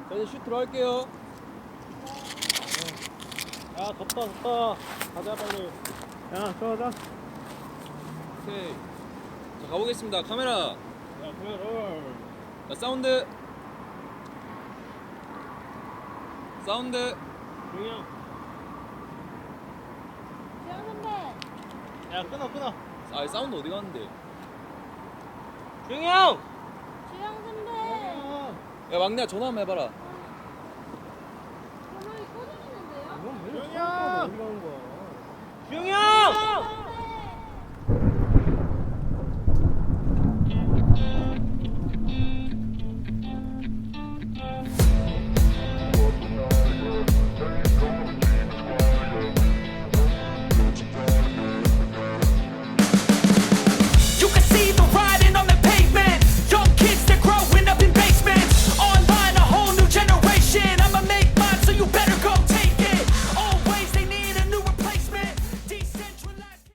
자, 이제 슛 들어갈게요. 야 덥다 가자 빨리. 야 들어가자. 오케이. 자, 가보겠습니다. 카메라. 야 그래. 자, 사운드. 사운드. 중이 형. 주영 선배. 야 끊어. 아, 사운드 어디 갔는데? 중이 형. 주영 선배. 야, 막내야 전화 한번 해봐라. 전화기 꺼지는데요? 중이 형. 중이 형. 선배.